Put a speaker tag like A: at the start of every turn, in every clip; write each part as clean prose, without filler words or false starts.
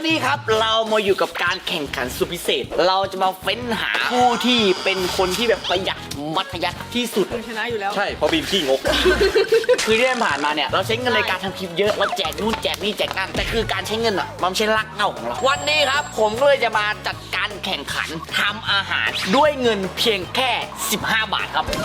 A: วันนี้ครับเรามาอยู่กับการแข่งขันสุดพิเศษเราจะมาเฟ้นหาผู้ที่เป็นคนที่แบบประหยัดมัธยัสถ์ที่สุด
B: ชนะอยู่แล้ว
C: ใช่เพราะบีมขี้งก
A: คือที่ผ่านมาเนี่ยเราใช้เงินในการทำคลิปเยอะเราแจกนู่นแจกนี่แจกนั่นแต่คือการใช้เงินอ่ะมันไม่ใช่รักเง่าของเราวันนี้ครับผมก็เลยจะมาจัดการแข่งขันทำอาหารด้วยเงินเพียงแค่15 บาทครับ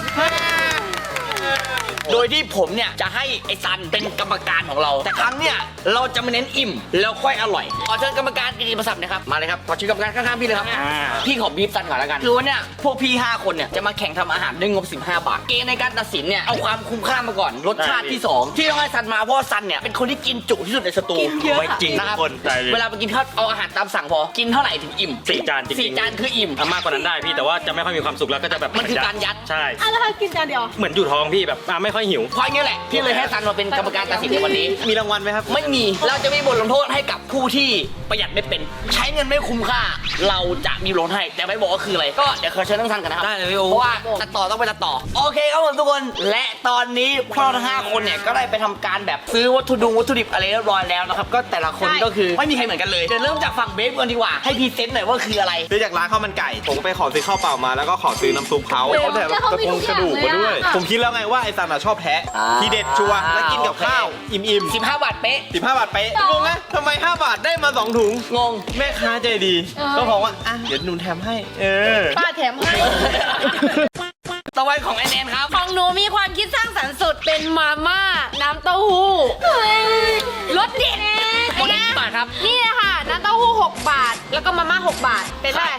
A: โดยที่ผมเนี่ยจะให้ไอ้ซันเป็นกรรมการของเราแต่ครั้งเนี่ยเราจะมาเน้นอิ่มแล้วค่อยอร่อยขอเชิญกรรมการกิติมศักดิ์นะครับมาเลยครับขอเชิญกรรมการข้างๆพี่เลยครับพี่ขอบีบซันก่อนแล้วกันคือว่าเนี่ยพวกพี่5คนเนี่ยจะมาแข่งทำอาหารด้วยงบ15 บาทเกณฑ์ในการตัดสินเนี่ยเอาความคุ้มค่ามาก่อนรสชาติที่2ที่ต้องให้ซันมาเพราะซันเนี่ยเป็นคนที่กินจุที่สุดในสตู
C: ไม่จริงทุกคน
A: เวลาไปกินข้าวเอาอาหารตามสั่งพอกินเท่าไหร่ถึงอิ่ม
C: 4 จานจริง
A: 4 จานคืออิ่ม
C: มากกว่านั้นได้พี่แต่ว่าจะไม่ค่อยมีความสุขแล้วก็จะแบบ
A: มันคือการยัด
C: ใช่
B: แล้วถ้ากินจานเดียว
C: เหมือนอยู่ท้องพี่แบบไม่ค่อยหิว
A: เพราะงี้แหละพี่เลยให้ซันมาเป็นกรรมการตัดสินในวันนี้
C: มีรางวัลไหมครับ
A: ไม่มีเราจะมีบทลงโทษให้กับผู้ที่ประหยัดไม่เป็นใช้เงินไม่คุ้มค่าเราจะมีลดให้แต่ไม่บอกว่าคืออะไรก็เดี๋ยวขอเชิญทั้งท่านกันนะครับ
C: ได้เลยพี่โอ้
A: เพราะว่าตัดต่อต้องไปตัดต่อโอเคครับผมทุกคนและตอนนี้พวกเราทั้ง5คนเนี่ยก็ได้ไปทำการแบบซื้อวัตถุดิบอะไรเรียบร้อยแล้วนะครับก็แต่ละคนก็คือไม่มีใครเหมือนกันเลยเดี๋ยวเริ่มจากฝั่งเบฟก่อนดีกว่าให้พรีเซนต์หน่อยว่าคืออะไร
C: ซื้อจากร้านข้าวมันไก่ผมไปขอซื้อข้าวเปล่ามาแล้วก็ขอซื้อน้ำซุปเขาแถมตะกงกระดูกมาด้วยผมคิดแล้วไงว่าไอ้ซันชอบแท้ทีเด็ดชัวร์แล้วกินกับข้าวอิ่ม
A: 15 บาทเป๊ะ
C: 15 บาทเป๊ะงงไหมทำไม5 บาทได้มา2 ถุง
A: งง
C: แม่ค้าใจดีก็บอกว่าเดี๋ยวหนูแถมให้
B: ป้าแถมให้
A: ต่อไปของแอนครับ
B: ของหนูมีความคิดสร้างสรรค์สุดเป็นมาม่าน้ำเต้าหู้รสเด็ด
A: หมดกี่บาทครับ
B: นี่เลยค่ะน้ำเต้าหู้6 บาทแล้วก็มาม่า6 บาทเป็นได้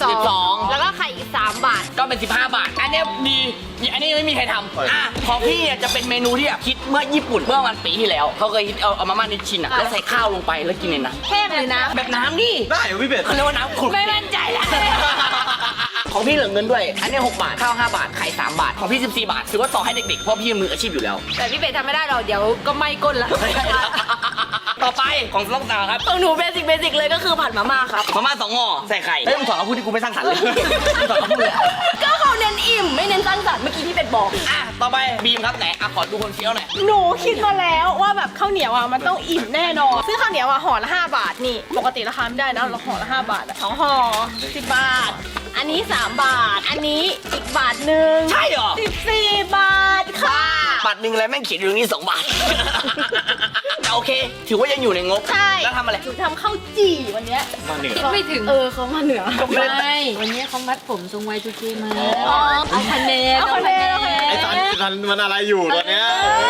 B: 12แล้วก็ไข่อีก3 บาท
A: ก็เป็น15 บาทอันนี้ดีอันนี้ไม่มีใครทำของพี่เนี่ยจะเป็นเมนูที่แบบคิดเมื่อญี่ปุ่นเมื่อวันปีที่แล้วเขาเคยคิดเอามาม่านิชชินแล้วใส่ข้าวลงไปแล้วกินเลยนะ
B: แห้งเลยนะ
A: แบบน้ำนี่
C: ได้พี่เป็ด
A: เขาเรียกว่าน้ำขุ่น
B: ไม่มั่นใจแล้ว
A: ของพี่เหลือเงินด้วยอันนี้6 บาทข้าว5 บาทไข่3 บาทของพี่14 บาทถือว่าต่อให้เด็กๆเพราะพี่มืออาชีพอยู่แล้ว
B: แต่พี่เป็ดทำไม่ได้หรอกเดี๋ยวก็ไม่ก้นละ
A: ต่อไปของล่องตาครับ
B: ของหนูเบสิกเลยก็คือผัดมาม่าครับ
A: มาม่า2 ห่อใส่ไข่มึงสอนเขาพูดที่กูไม่สร้างสรรค์เลยสอนเขาพูดเลย
B: ก็เขาเน้นอิ่มไม่เน้นสร้างสรรค์เมื่อกี้พี่เป็ดบอก
A: ต่อไปบีมครับไหนขอดูคนเฟี้ยวหน่อย
B: หนูคิดมาแล้วว่าแบบข้าวเหนียวมันต้องอิ่มแน่นอนซึ่งข้าวเหนียวห่อละ5 บาทนี่ปกติราคาไม่ได้นะเราห่อละ5 บาท2 ห่อ10 บาทอันนี้3 บาทอันนี้อีก1 บาท
A: ใช่เหรอ
B: 14 บาทค่ะ
A: บาทแล้วแม่งเขียนอยู่ตรงนี้2 บาทโอเคถือว่ายังอยู่ในงบ
B: ใช่
A: แล้วทำอะไร
B: หนูทำข้าวจี่วันนี้
C: มาเหนือ
B: ไม่ถึงเขามาเหนือ
D: ไม่วันนี้เขามัดผมทรงไวทูเกมาเอาคะแนน
C: ไอ้ซันมันอะไรอยู่ตอนเนี้ย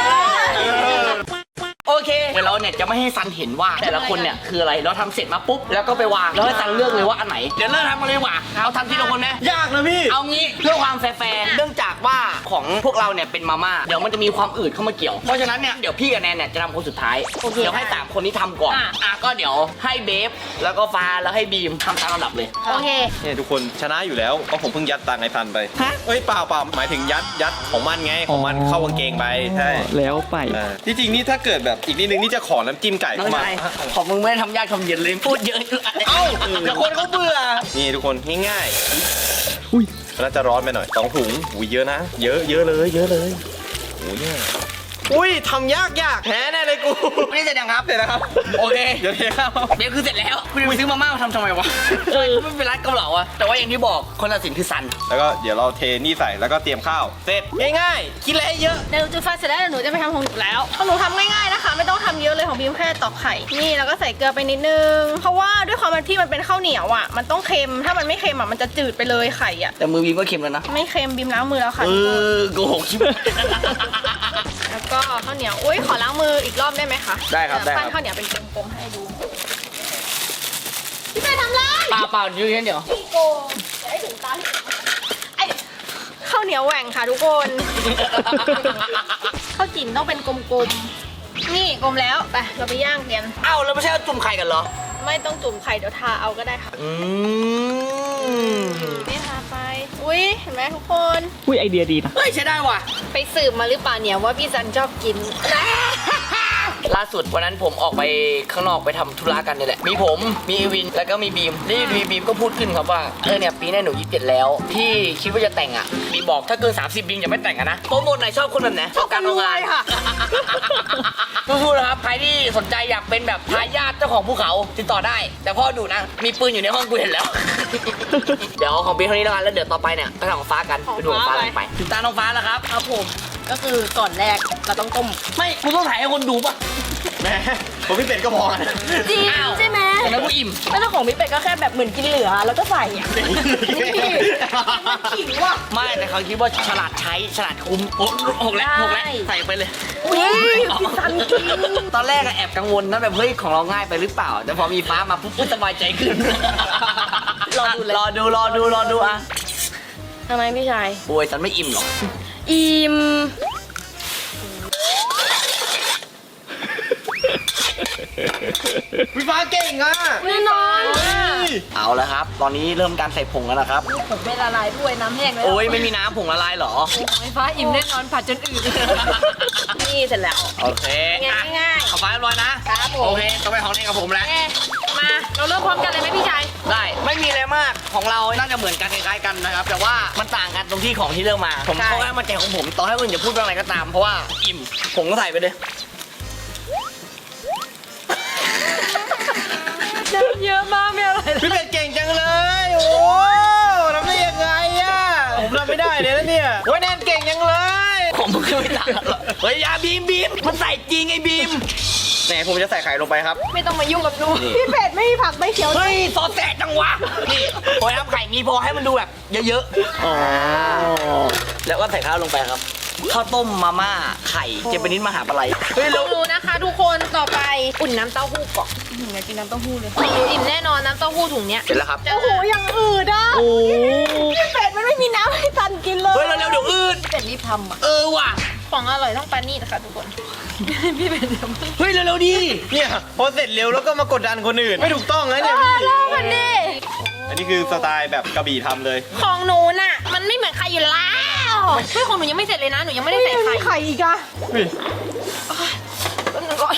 A: โอเคเดี๋ยวเราเนี่ยจะไม่ให้ซันเห็นว่าแต่ละคนเนี่ยคืออะไรเราทำเสร็จมาปุ๊บแล้วก็ไปวางแล้วให้ซันเลือกเลยว่าอันไหนเดี๋ยวเริ่มทำกันเลยว่ะเอาทำทีละคนนะ
C: ยากนะพี่
A: เอางี้เพื่อความแฟร์เนื่องจากว่าของพวกเราเนี่ยเป็นมาม่าเดี๋ยวมันจะมีความอืดเข้ามาเกี่ยวเพราะฉะนั้นเนี่ยเดี๋ยวพี่กับแนนเนี่ยจะทำคนสุดท้ายเดี๋ยวให้3 คนนี้ทำก่อนก็เดี๋ยวให้เบฟแล้วก็ฟ้าแล้วให้บีมทำตามลำดับเลย
B: โอเค
C: เนี่ยทุกคนชนะอยู่แล้วเพราะผมเพิ่งยัดตังค์ไอ้ซันไปเอ้ยเปล่าหมายถึงยัดของมันไงของมันเข้ากางเกงไปใช่
E: แล้วไป
C: ที่จริงนี่ถ้าเกิดแบบอีกนิดนึงนี่จะขอน้ำจิ้มไก่เข้ามา
A: ของมึงไม่ทำยากทำเย็นเลยพูดเยอะ
C: เอ้าเดี๋ยวคนเขาเบื่อนี่ทุกคนง่ายๆอุ้ยน่าจะร้อนไปหน่อย2 ถุงอุ้ยเยอะนะเยอะเลยโอ้ยอุ้ยทำยากแพ้แน่เลยกู
A: นี่เสร็จยังครับ
C: เสร็จแล้วครับ
A: โอเค
C: เดี๋ยวเทข้าว
A: เบฟคือเสร็จแล้วคุณไปซื้อมาม่ามาทำไมวะไม่เป็นร้านเกาเหลาอะแต่ว่าอย่างที่บอกคนตัดสินคือซัน
C: แล้วก็เดี๋ยวเราเทนี่ใส่แล้วก็เตรียมข้าวเสร็จง่ายๆคิดอะไรเยอะ
B: เดี๋ยวจุดไฟเสร็จแล้วหนูจะไปทำของหนูแล้วของหนูทำง่ายๆนะคะไม่ต้องทำเยอะเลยของบีมแค่ตอกไข่นี่แล้วก็ใส่เกลือไปนิดนึงเพราะว่าด้วยความที่มันเป็นข้าวเหนียวอ่ะมันต้องเค็มถ้ามันไม่เค็มอ่ะมันจะจืดไปเลยไข่อ่ะ
A: แต่มือบีมก็เค็มแล้วนะ
B: ไม่เค็มบีมล้างมือแล้วค่ะ
A: โกหกชิบ
B: แล้วก็ข้าวเหนียวอุ้ยขอล้างมืออีกรอบได้ไหมคะ
A: ได้ครับได้
B: ปั้นข้าวเหนียวเป็นกลมๆให้ดูพี่ไปทำไร
A: เปล่ายืนเดี๋ยว
B: พี่โกจะให้ถึงตาไอ้ข้าวเหนียวแหว่งค่ะทุกคนข้าวจี่ต้องเป็นกลมๆนี่กลมแล้วไปเราไปย่างกัน
A: เอ้าแล้วไม่ใช่จุ่มไข่กันเหรอ
B: ไม่ต้องจุ่มไข่เดี๋ยวทาเอาก็ได้ค่ะนี่ทาไปอุ้ยเห็นไหมทุกคน
E: อุ้ยไอเดียดีนะ
A: เฮ้ยใช้ได้ว่ะ
B: ไปสืบมาหรือเปล่าเนี่ยว่าพี่ซันชอบกิน
A: ล่าสุดวันนั้นผมออกไปข้างนอกไปทำธุระกันนี่แหละมีผมมีเอวินแล้วก็มีบีมแล้วอยู่ดีบีมก็พูดขึ้นครับว่าเนี่ยปีหน้าหนู27แล้วที่คิดว่าจะแต่งอ่ะบีมบอกถ้าเกิน30บีมอย่าไม่แต่งกันนะโปรโมทไหนชอบคนแบบไหนชอบการทำงานค่ะสู้ๆนะครับใครที่สนใจอยากเป็นแบบทายาทเจ้าของภูเขาติดต่อได้ แต่พ่อดูนะมีปืนอยู่ในห้องกูเห็นแล้ว เดี๋ยวของบีมเท่านี้แล้วกันแล้วเดี๋ยวต่อไปเนี่ยไปทำของฟ้ากันไปดูของฟ้ากันไปถึงตาน้องฟ้าแล้วครับ
B: ครับผมก็คือก่อนแรกเราต้องต้ม
A: ไม่กูต้องถ่ายให้คนดูป่ะ
C: แหมผมพี่เป็ดก็พอกัน
B: จริงใช่ไหม
A: แต่นั้นกูอิ่ม
B: แล้วเจ้าของพี่เป็ดก็แค่แบบเหมือนกินเหลือแล้วก็ใส่อ่ะนี่มันขิงว่ะ
A: ไม่แต่เขาคิดว่าฉลาดใช้ฉลาดคุ้มโอ้หกแล้วใส่ไปเลย
B: อุ้ยพี่ซันกิน
A: ตอนแรกอะแอบกังวลนะแบบเฮ้ยของเราง่ายไปหรือเปล่า แต่พอมีฟ้ามาปุ๊บสบายใจขึ้น
B: รอดูเลย
A: รอดูอ่ะ
B: ทำไมพี่ชาย
A: โอ้ยฉันไม่อิ่มหรอก
B: อิ่ม
C: พี่ฟ้าเก่งอ่ะ
B: แน่นอน
A: เอาแล้วครับ ตอนนี้เริ่มการใส่ผงแล้วนะครับ
B: ผมไม่ละลายด้วยน้ำแห้งแล้ว
A: โอ้ยไม่มีน้ำผงละลายเหรอ
B: ไฟฟ้าอิ่มแน่นอนผัดจนอืดนี่เสร็จแล้ว
A: โอเค
B: ง่ายๆ
A: ขอฟ้าเรียบร้อยนะครับ
B: ผม
A: โอเคต่อไปของเล่นกับผมแล้ว
B: มาเราเริ่มพร้อมกันเลยไหมพี่ชาย
A: ได้ไม่มีอะไรมากของเราน่าจะเหมือนกันคล้ายๆกันนะครับ แต่ว่ามันต่างกันตรงที่ของที่เลือกมา ผม
B: ใช่
A: เขาให้มาแจกของผมต่อให้คนอื่นจะพูดว่าอะไรก็ตามเพราะว่าอิ่มผมก็ใส่ไปเลย
B: เยอะมากไม่อะไร
C: พี่เป็ดเก่งจังเลย โอ้ทำได้ยังไงอ่ะผมทำไม่ได้เลยนะเนี่ยโอ้ยแนนเก่งจังเลย
A: ผมก็ไม่ต่างกันหรอกเฮ้ยอยาบีมมันใส่จริงไอ้บีม
C: ไหนผมจะใส่ไข่ลงไปครับ
B: ไม่ต้องมายุ่งกับหนูพี่เป็ดไม่มีผักไม่เขียว
A: เฮ้ยซอสแตกจังวะนี่พอทำไข่นี้พอให้มันดูแบบเยอะๆอ๋อแล้วก็ใส่ข้าวลงไปครับข้าวต้มมาม่าไข่เจแปนิสมหาปลาไหลเฮ้ย
B: ล
A: แล้
B: อ
A: ว
B: งดูนะคะทุกคนต่อไปอุ่นน้ำเต้าหู้ก่อนอยากกินน้ำเต้าหู้เลยหนูอิ่มแน่นอนน้ำเต้าหู้ถุงเนี้ย
A: เสร็จแล้วครับ
B: โอ้โหยังอืดอ่ะ
A: โอ้
B: พี่เป็ดมันไม่มีน้ำให้ตันกินเลย
A: เฮ้ยเร็วๆเดี๋ยวอืด
B: พี่เป็ดรีบทำอ่ะ
A: ว่ะ
B: ของอร่อยต้องปานี่นะคะทุกคน พี่เป็ดทำ
A: เฮ้ยเร็วๆดิ
C: เนี่ยพอเสร็จเร็วแล้วก็มากดดันคนอื่น ไม่ถูกต้องนะเนี่ยพี่
B: เล่ากันดิ
C: อันนี้คือสไตล์แบบกระบี่ทำเลย
B: ของหนูน่ะมันไม่เหมือนใครอยู่แล้วเฮ้ยของหนูยังไม่เสร็จเลยนะหนูยังไม่ได้ใส่ไข่ไข่อีกอะ
C: เฮ้ย
B: แป๊บนึงก่อน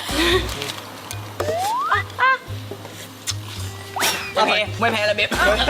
A: โอเคไม่แพ้ละเบบ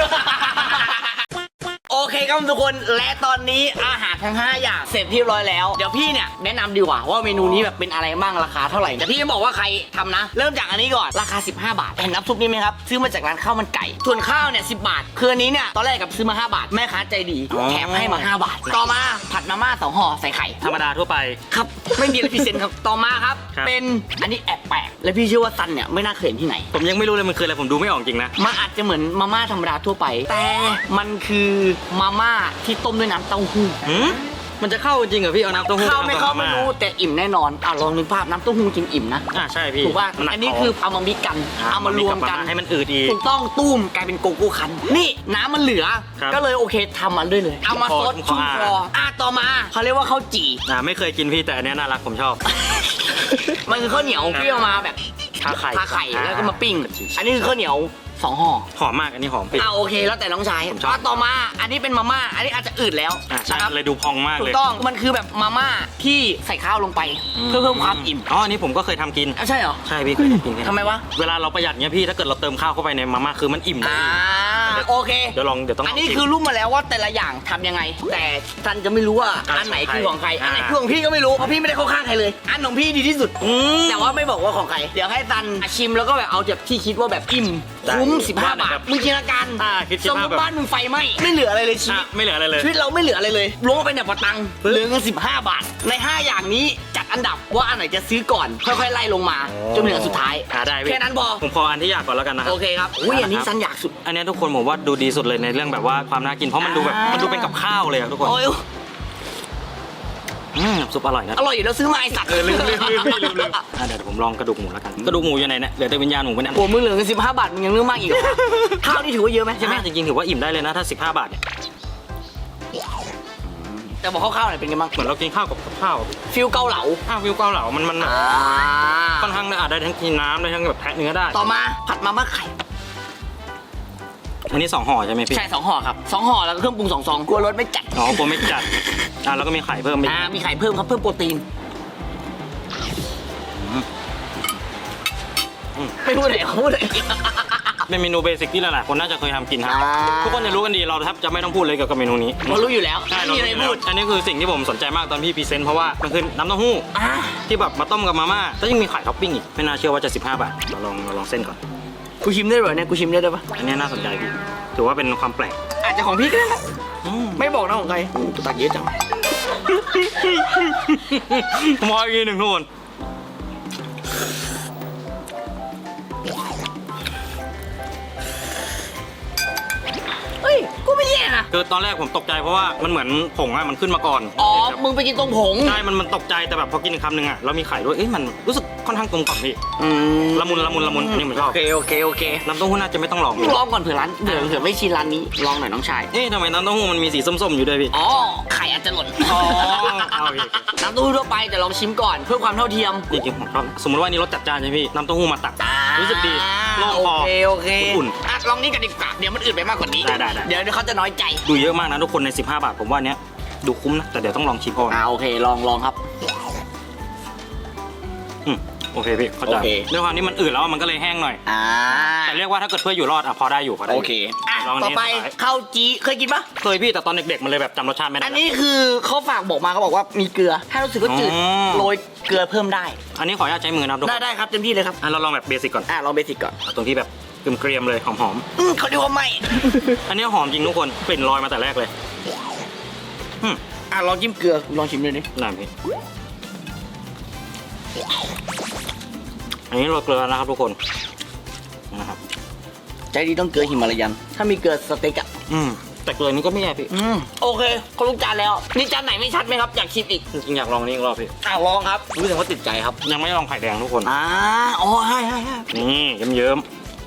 A: โอเคครับทุกคนและตอนนี้อาหารทั้ง5อย่างเสร็จเรียบร้อยแล้วเดี๋ยวพี่เนี่ยแนะนำดีกว่าว่าเมนูนี้แบบเป็นอะไรบ้างราคาเท่าไหร่แต่พี่จะบอกว่าใครทำนะ เริ่มจากอันนี้ก่อนราคา15 บาทเห็นน้ำซุปนี้ไหมครับซื้อมาจากร้านข้าวมันไก่ส่วนข้าวเนี่ย10 บาทคืออันนี้เนี่ยตอนแรกกับซื้อมา5 บาทแม่ค้าใจดีแถมให้มา5 บาทต่อมาผัดมาม่า2 ห่อใส่ไข่
E: ธรรมดาทั่วไป
A: ครับไม่มีอะไรพิเศษครับต่อมาครับ
E: ครับ
A: เป็นอันนี้แอบแปลกและพี่เชื่อว่าซันเนี่ยไม่น่าเคยเห็นที่ไหน
E: ผมยังไม่รู้เลยมันคืออะไรผมดูไม่ออกจริงนะ
A: มันอาจจะเหมือนมาม่าธรรมดาทั่วไป แต่มันคือมาม่าที่ต้มด้วยน้ำเต้าหู้
E: หืมมันจะเข้าจริงเหรอพี่เอาน้ำเต้าหู้
A: เข้าไม่เข้า
E: กับ
A: ไม่
E: ม่
A: รู้แต่อิ่มแน่นอนลองนึกภาพน้ำเต้าหู้กินอิ่มนะ
E: ใช่พี่
A: ถูกป่ะ
E: มัหก
A: อันนี้คือเอามามิกกันเอามารวมกัน
E: ให้มันอืดอีก
A: ถูกต้องตุ้มกลายเป็นโกโก้คันนี่น้ำมันเหลือ
E: ครับ
A: ก็เลยโอเคทำมันด้วยเลยเอามาซด
E: ขอ
A: ชุ่มคอต่อมาเขาเรียกว่าข้าวจี่
E: ไม่เคยกินพี่แต่อันเนี้ยน่ารักผมชอบ
A: มันคือข้าวเหนียวที่เอามาแบบ
E: ทาไข่
A: ทาไข่แล้วก็มาปิ้งอันนี้คือข้าวเหนียว2 ห่อ
E: หอมมากอันนี้หอมพี่
A: โอเคแล้วแต่น้องชาย
E: ผมชอบ
A: ต่อมาอันนี้เป็นมาม่าอันนี้อาจจะอืดแล้ว
E: ใช่
A: นะครับ
E: เลยดูพองมาก
A: ถู
E: เล
A: ก
E: ย
A: ต้องมันคือแบบมาม่าที่ใส่ข้าวลงไปเพื่อเพิ่มความอิ่ม
E: อ๋ออันนี้ผมก็เคยทำกิน
A: ใช่เหรอ
E: ใช่พี่เคยทำกิน
A: ทำไมวะ
E: เวลาเราประหยัดเนี้ยพี่ถ้าเกิดเราเติมข้าวเข้าไปในมาม่าคือมันอิ่มเลย
A: โอเค
E: เดี๋ยวต้อง
A: อันนี้คือรู้มาแล้วว่าแต่ละอย่างทำยังไง แต่ท่านจะไม่รู้ว่าอันไหนคือของใครอันไหนคือของพี่ก็ไม่รู้เพราะพี่ไม่ได้เข้าข้างใครเลย อันของพี่ดีที่สุดแต่ว่าไม่บอกว่าของใครเดี๋ยวให้ซันชิมแล้วก็แบบเอาจากที่คิดว่าแบบอิ่มคุ้ม15 บาทมึงจินตนาการ
E: คิด
A: สมม
E: ว่า
A: ติ
E: แบบ
A: บ้านมึงไฟไหม้ไม่เหลืออะไรเลยชีวิต
E: ไม่เหลืออะไรเลย
A: ชีวิตเราไม่เหลืออะไรเลยล้วงไปเนี่ยปะตังเหลือเงิน15 บาท ใน 5 อย่างนี้จัดอันดับว่าอันไหนจะซื้อก่อน ค่อยๆไล่ลงมาจนเหลือสุดท้าย
E: ได้พี่
A: แค่นั้นพอ
E: ผมขออันที่อยากก่อนแล้วกันนะครั
A: โอเคครับอุ้ยอันนี้ซันอยากสุด
E: อันเนี้ยทุกคนผมว่าดูดีสุดเลยในเรื่องแบบว่าความน่ากินเพราะมันดูแบบมันดูเป็นกับข้าวเลยอะทุกคน
A: โอ้ย
E: ซุปอร่อยนะ
A: อร่อยอยู่แล้วซื้อมาไอสัตว์
E: ลืมเดี๋ยวผมลองกระดูกหมูแล้วกันกระดูกหมูอยู่ไหนเนี่ยเหลือแต่วิญญาณหมูเป็นอัน
A: โอ้มึงเหลือเงิน15 บาทมึงยังเรื่องมากอีกเหรอข้าวนี่ถือว่าเยอะไหมใช่
E: ใช่
A: ไห
E: ไห
A: ม
E: มจริงๆถือว่าอิ่มได้เลยนะถ้า15 บาทเนี่ย
A: แต่บอกข้าวๆหน่อยเป็นไงบ้าง
E: เหมือนเรากินข้าวกับข้าว
A: ฟิลเกาเหลา
E: วิวเกาเหลามันแบบค่อนข้างได้ทั้งกินน้ำได้ทั้งแบบแทะเนื้อได้
A: ต่อมาผัดมาม่าไข่
E: อันนี้2 ห่อใช่ไหมพี่
A: ใช่2 ห่อครับ2 ห่อแล้วก็เครื่องปรุง2 ซองกลัวรสไม่จัด
E: อ๋อกลัวไม่จัดแล้วก็มีไข่เพิ่มไป
A: มีไข่เพิ่มครับเพิ่มโปรตีนไม่พูดเลยเขาพูดเลย
E: เป็นเมนูเบสิกที่หลายๆคนน่าจะเคยทำกินครับ
A: อ่า
E: ทุกคนจะรู้กันดีเราแทบจะไม่ต้องพูดเลยเกี่ยวกับเมนูนี้
A: เรารู้อยู่แล้ว
E: ใช่
A: ไม่มีอะไรพูด
E: อันนี้คือสิ่งที่ผมสนใจมากตอนพี่พรีเซนต์เพราะว่ามันคือน้ำเต้าหู้
A: อ่า
E: ที่แบบมาต้มกับมาม่าแล้วยังมีไข่ท็อปปิ้งอีกไม่น่าเชื่อว่าจะ15 บาทเราลองเส้นก่อน
A: กูชิมได้เหรอเนี่ยกูชิมได้ปะ
E: อันนี้น่าสนใจพี่ถือว่าเป็นความแปลก
A: อาจจะของพี่ก็ได้นะ
E: อืม
A: ไม่บอกนะของใครตักเยอะจัง
E: ผมขออีกทีหนึ่งทุกคน
A: เฮ้ยกูไม่แย่นะ
E: คือตอนแรกผมตกใจเพราะว่ามันเหมือนผงอะมันขึ้นมาก่อน
A: อ๋อมึงไปกินตรงผง
E: ใช่มันตกใจแต่แบบพอกินอีกคำหนึ่งอะแล้วมีไข่ด้วยเอ๊ะมันรู้สึกค่อนข้างกลมกล่อมพี่ ละมุนอันนี้ผมชอบ
A: โอเค
E: น้ำเต้าหู้น่าจะไม่ต้องลอง
A: ลองก่อนเผื่อร้านเผื่อไม่ชินร้านนี้ลองหน่อยน้องชาย
E: เอ๊ะทำไมน้ำเต้าหู้มันมีสีส้มๆอยู่ด้วยพี่
A: อ๋อไข่อาจจะหล่น
E: อ๋อเอาพี่
A: น้ำเต้าหู้ทั่วไปแต่ลองชิมก่อนเพื่อความเท่าเทียม
E: จริงๆผมชอบสมมติว่านี่รสจัดจ้านใช่ไหมพี่น้ำเต้าหู้มาตักรู้สึกดีโล่งคอ
A: โอเค
E: อุ่น
A: อ่ะลองนี่กันดีกว่าเดี๋ยวมันอื่นไปมากกว่านี้
E: ได้
A: เดี๋ยวเขาจะน้อยใจ
E: ดูเยอะมากนะทุกคนใน15 บาทผมว่าเนี้ยดูคุ้มนะแต่เดี๋ยวต้องลองชิมก่อน
A: โอเคลองครับ
E: โอเคพี่เข้าใจ
A: โอเค
E: ด้วยความที่มันอืดแล้วมันก็เลยแห้งหน่อย แต่เรียกว่าถ้าเกิดเพื่ออยู่รอดอะพอได้อยู่พอได้
A: โอ
E: อยู่
A: เคอ่ะ
E: ลองอัน
A: ต่อ
E: นี้
A: ไป
E: สุดท้าย
A: ข้าวจีเคยกินปะ
E: เคยพี่แต่ตอนเด็กๆมันเลยแบบจำรสชาติไม่ได้
A: อันนี้คือเขาฝากบอกมาเขาบอกว่ามีเกลือ ถ้ารู้สึกว่าจืด
E: อ๋อ
A: โรยเกลือเพิ่มได้
E: อันนี้ขออนุญาตใช้มือนะครับทุกคน
A: ได้ครับเต็มที่เลยครับ
E: เราลองแบบเบสิกก่อน
A: ลองเบสิกก่อน
E: เอาตรงที่แบบเกรียมๆเลยหอม
A: เขาเรียกว่าไม่
E: ๆ อันนี้หอมจริงทุกคนกลิ่นลอยมาแต่แรกเลย
A: ลองจิ้มเกลือลองชิมเลยดิ
E: นั่นพี่อันนี้โรยเกลือนะครับทุกคนนะครับ
A: ใจดีต้องเกลือหิมาลายัน ถ้ามีเกลือสเต็กอ่ะ
E: แต่เกลือนี้ก็ไม่แย่พี่
A: โอเคเขาลูกจานแล้ว นี่จานไหนไม่ชัดไหมครับ อยากชิมอีก
E: จริงๆอยากลองนี่อีกรอบพี่
A: ลองครับรู้สึกว่าติดใจครับ
E: ยังไม่ได้ลองไข่แดงทุกคน
A: อ๋อให้
E: นี่เยิ้ม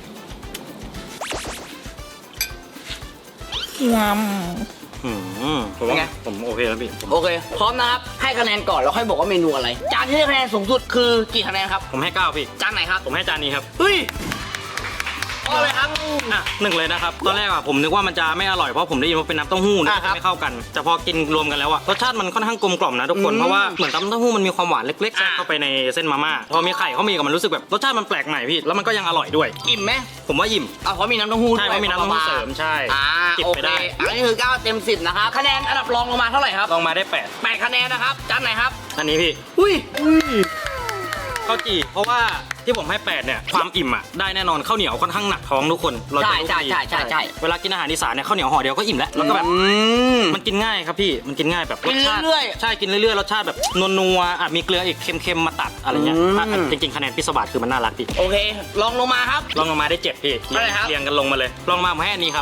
E: ผมว่าผมโอเคแล้วพี่
A: โอเค พร้อมนะครับ ให้คะแนนก่อนแล้วค่อยบอกว่าเมนูอะไร จานที่ได้คะแนนสูงสุดคือกี่คะแนนครับ
E: ผมให้9พี่
A: จานไหนครับ
E: ผมให้จานนี้ครับ
A: เฮ้ยเอาเลยครับ
E: หนึ่งเลยนะครับตอนแรกอะผมนึกว่ามันจะไม่อร่อยเพราะผมได้ยินว่าเป็นน้ำเต้าหู้นะ
A: ครับ
E: ไม่เข้ากัน แต่พอกินรวมกันแล้วอะรสชาติมันค่อนข้างกลมกล่อมนะทุกคนเพราะว่าเหมือนน้ำเต้าหู้มันมีความหวานเล็กๆแทรกเข้าไปในเส้นมาม่าพอมีไข่เขามีกับมันรู้สึกแบบรสชาติมันแปลกใหม่พี่แล้วมันก็ยังอร่อยด้วย
A: อิ่มไหม
E: ผมว่าอิ่ม
A: เพราะมีน้ำเต้าหู้
E: ใช่
A: ด้วย
E: เพราะมีน้ำเต้าหู้เสริมใช่ จิบ
A: โอ
E: ไป
A: เค
E: ได้
A: อันนี้คือ9เต็ม10นะครับ คะแนนอันดับรองลงมาเท่าไหร่ครับ
E: ลองมาได้
A: 8คะแนนนะครับ จานไหนครับ
E: 8อันนี้พี่
A: อุ้ย
E: ข้าวจี่เพราะว่าที่ผมให้8เนี่ยความอิ่มอะได้แน่นอนข้าวเหนียวค่อนข้างหนักท้องทุกคนเราจะรู้
A: ใช่
E: ดี
A: ใช่
E: เวลากินอาหารอีสานเนี่ยข้าวเหนียวห่อเดียวก็อิ่มแล้วแล้วก็แบบ มันกินง่ายครับพี่ มันกินง่ายแบบรสชาติ
A: กินเรื่อยๆ
E: ใช่ กินเรื่อยๆ รสชาติแบบนัวๆมีเกลืออีกเค็มๆ มาตัดอะไรเงี้ยจริงๆ คะแนนพิศวาสคือมันน่ารักพี่
A: โอเค ลองลงมาครับ
E: ลองลงมาได้7พี่
A: เท่าไหร่ครับ
E: เรียงกันลงมาเลย ลองมาผมให้อันนี้ครับ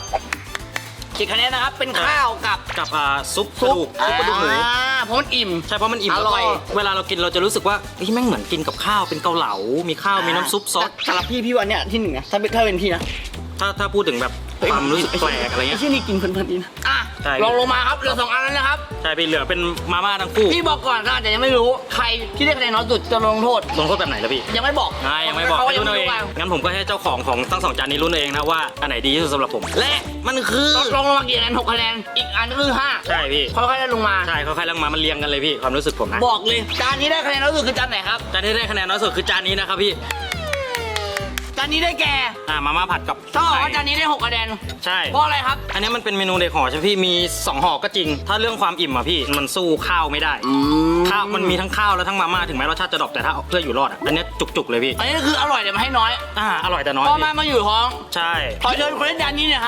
A: 10คะแนนนะครับ เป็นข้าวกับ
E: กับซุปกระดูกซุปกระดูกหมู
A: เพราะมันอิ่ม
E: ใช่เพราะมันอิ่ม
A: อ
E: แล้ว
A: ร่
E: ก็
A: อย
E: เวลาเรากินเราจะรู้สึกว่าเฮ้ยแม่งเหมือนกินกับข้าวเป็นเกาเหลา มีข้าวมีน้ำซุปซอส
A: สำหรับพี่วันเนี้ยที่หนึ่งนะถ้าเป็นพี่นะ
E: ถ้าพูดถึงแบบความรู้สึกแปลกอะไรเงี้ย
A: ไอ้ที่นี่กินเพลินๆดีนะ
E: ใช่
A: ลองลงมาครับเหลือ2อันแล้วนะครับ
E: ใช่พี่เหลือเป็นมาม่าทั้งคู่
A: พี่บอกก่อนก็อาจจะยังไม่รู้ใครที่ได้คะแนนน้อยสุดจะลงโทษ
E: ลงโทษแบบไหนแล้วพี่
A: ยังไม่บอก
E: ยังไม่บอก
A: เขา
E: ให้
A: ยั
E: รุ่น
A: ไม่
E: เอาเอง
A: ว่า
E: งั้นผมก็ให้เจ้าของทั้ง2จานนี้รุ่นเองนะว่าอันไหนดีที่สุดสำหรับผม และมันคือ
A: ลงมากี่คะแนน6คะแนนอีกอันก็คือ5
E: ใช่พี่
A: ค่อยๆได้ลงมา
E: ใช่ค่อยๆลงมามันเรียงกันเลยพี่ความรู้สึกผมนะ
A: บอกเลยจานนี้ได้คะแนนน้อยสุดคือจานไหนครับ
E: จานที่ได้คะแนนน้อยสุดคือจานนี้นะครับพี่
A: จานนี้ได้แก่
E: มาม่าผัดกับ
A: ต้องบอกว่า
E: ไข่
A: จานนี้ได้6คะแนน
E: ใช่
A: เพราะอะไรครับ
E: อันนี้มันเป็นเมนูเด็กห่อใช่ไหมพี่มี2ห่อก็จริง ถ้าเรื่องความอิ่มอะพี่มันสู้ข้าวไม่ได้ข้าวมันมีทั้งข้าวและทั้งมาม่าถึงแม้รสชาติจะดรอปแต่ถ้าเพื่ออยู่รอดอะอันนี้จุกๆเลยพี่
A: อันนี้คืออร่อยแต่มาให้น้อย
E: อร่อยแต่น้อย
A: เพราะ
E: พี่
A: มาอยู่ท้อง
E: ใช่
A: ขอเชิญคนเล่นจานนี้หน่อยครับ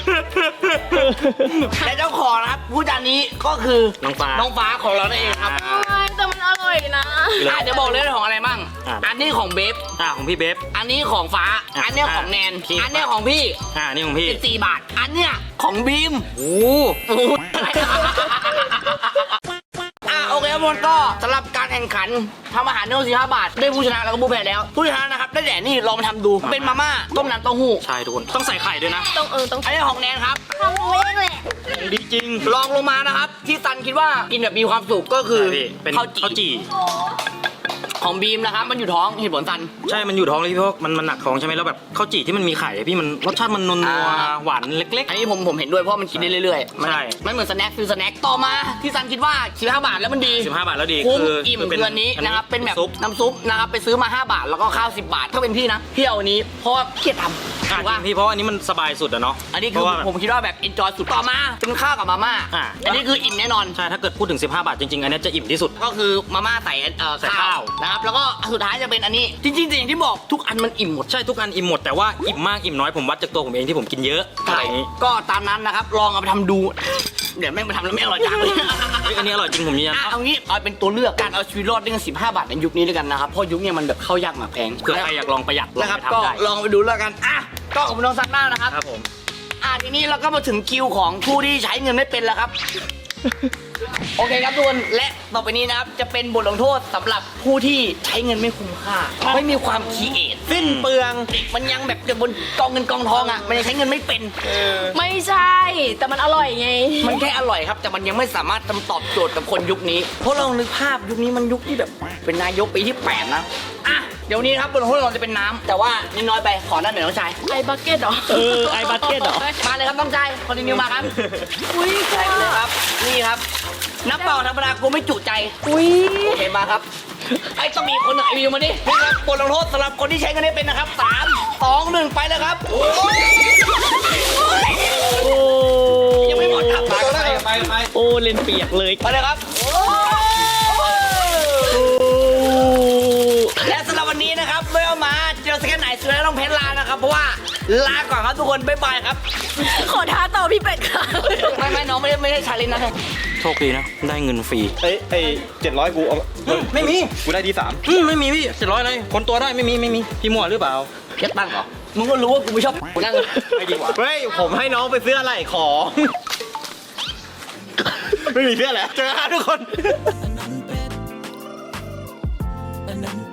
A: และเจ้าของนะครับผู้จานนี้ก็คือ
E: น้องฟ้า
A: น้องฟ้าของเรานั่นเองครับ
B: แต่มันอร่อยนะ
A: เดี๋ยวบอกเลยของอะไรบ้าง อันนี้ของเบฟ
E: ของพี่เบฟ
A: อันนี้ของฟ้า อันนี้ของแนน
E: พี่
A: อันนี้ของพี่
E: นี่ของพี่
A: 14 บาท อันเนี้ยของบีม
E: โอ้
A: โอเคครับทุกคนก็สำหรับการแข่งขันทำอาหารเนื้อ15 บาท ได้ผู้ชนะแล้วก็ผู้แพ้แล้ว ผู้ชนะนะครับได้แด่นี่ลองมาทำดู เป็นมาม่าต้มน้ำเต้าหู้
E: ใช่ทุกคนต้องใส่ไข่ด้วยนะ
B: ต้องต้อง
A: อันนี้ของแนนครับ
B: ทำเองแหละ
E: ดีจริง
A: ลองลงมานะครับ ที่ซันคิดว่ากินแบบมีความสุขก็คือ
E: ใช่พี่เป็นข้าวจี่
A: ของบีมนะครับมันอยู่ท้องเหตุผลซัน
E: ใช่มันอยู่ท้องเลยพี่เพราะมันหนักท้องใช่ไหมแล้วแบบข้าวจี่ที่มันมีไข่อะพี่มันรสชาติมันนัว
A: อ่า
E: ๆหวานเล็ก
A: อันนี้ผมเห็นด้วยเพราะมันกินได้เรื่อยๆมัน
E: ใช่
A: มันเหมือนสแน็คคือสแน็คต่อมาที่ซันคิดว่า15 บาทแล้วมันดี
E: ๆ15 บาทแล้วดี
A: คุ้ม
E: คือ
A: อิ่ม
E: เป็
A: เดือนนี้นะครับเป็นแบบ
E: ซุป
A: น้ำซุปนะครับไปซื้อมา5 บาทแล้วก็ข้าว10 บาทถ้าเป็นพี่นะพี่เอาอันนี้เพราะว่าเครียดทำ
E: อ่ะ
A: ถูก
E: จ
A: ปะ
E: ริงพี่เพราะว่าอันนี้มันสบายสุดอะเนาะ
A: อันนี้
E: เพ
A: คือ
E: ราะว่าแบบ
A: ผมคิดว่าแบบ enjoy สุดต่อมาเป็นข้าวกับมาม่า
E: อ่ะ
A: อันนี้คืออิ่มแน่นอน
E: ใช่ถ้าเกิดพูดถึง15 บาทจริงๆอันนี้จะอิ่มที่สุด
A: ก็คือมาม่าใส่
E: ใส่
A: ข้า
E: ข้าว ว
A: นะครับแล้วก็สุดท้ายจะเป็นอันนี้จริงๆอย่างที่บอกทุกอันมันอิ่มหมด
E: ใช่ทุกอันอิ่มหมดแต่ว่าอิ่มมากอิ่มน้อยผมวัดจากตัวผมเองที่ผมกินเยอะอะไรอย่างนี้
A: ก็ตามนั้นนะครับลองเอาไปทำดู เดี๋ยวแม่งไปทำแล้วไม่อร่อยจังเลย
E: เฮ้ยอันนี้อร่อยจริงผมยืนยัน
A: เอางี้เอาเป็นตัวเลือกการเอาชีวิตรอดด้วยเงิน15 บาทในยุคนี้ด้วยกันนะครับเพราะยุคเนี้มันแบบเข้ายากหมากแพง
E: เผื่อใครอยากลองประหยัดลอง
A: นะครับ
E: ไป
A: ก็
E: ทำได้
A: ลองไปดูแล้วกันอ่ะก็ขอบคุณน้องซันน่านะครับ
E: ครับผม
A: ทีนี้เราก็มาถึงคิวของผู้ที่ใช้เงินไม่เป็นแล้วครับ โอเคครับทุกคนและต่อไปนี้นะครับจะเป็นบทลงโทษสำหรับผู้ที่ใช้เงินไม่คุ้มค่าไม่มีความคิดเอท
C: สิ้นเปลือง
A: เด็กมันยังแบบอยู่บนกองเงินกองทองอ่ะมันยังใช้เงินไม่เป็น
B: ไม่ใช่ แต่มันอร่อยไง
A: มันแค่อร่อยครับ แต่มันยังไม่สามารถตอบโจทย์กับคนยุคนี้ เพราะเรานึกภาพยุคนี้มันยุคที่แบบเป็นนายกปีที่ 8 นะอ่ะเดี๋ยวนี้ครับบนห้องเราจะเป็นน้ำแต่ว่านี่น้อยไปขอด้านหน่อยน้องชาย
B: ไอบักเก็ตเหรอ
C: ไอ้บัตเก็ตเหรอ
A: มาเลยครับน้องชายคอนติเนียมาครับ
B: อุ้ย
A: ใส่ไปเลยครับนี่ครับน้ำเปล่าธรรมดากูไม่จุใจ
B: อุ้ย
A: โอเคมาครับไอ้ต้องมีคนไหนวิวมาดินี่ครับบทลงโทษสำหรับคนที่ใช้เงินไม่เป็นนะครับ3 2 1ไปเลยครับโอ้ยยังไม่หมดครับไป
C: โอ้เลนเปียกเลย
A: ไปเลยครับและสำหรับวันนี้นะครับไม่เอามาเจอสแกนไหนสุดแล้วต้องเพชรลานะครับเพราะว่าลาก่อนครับทุกคนบ๊ายบายครับ
B: ขอท้าต่อพี่เป็ดค่ะ
A: ไม่น้องไม่ได้ชาเลนจ์นะ
E: โชคดีนะได้เงินฟรี
C: ไอ้700กูเอา
E: ไม่มี
C: กูได้ที่3
E: ไม่มีพี่700เลยคนตัวได้ไม่มีพี่มั่วหรือเปล่า
A: เก็ตตังค์เหรอมึงก็รู้ว่ากูไม่ชอบกูนั่ง
E: ไม่ดีกว่า
C: เฮ้ยผมให้น้องไปซื้ออะไรของ ไม่มีเสื้อแล้วเจอกันทุกคน
F: อันนั้น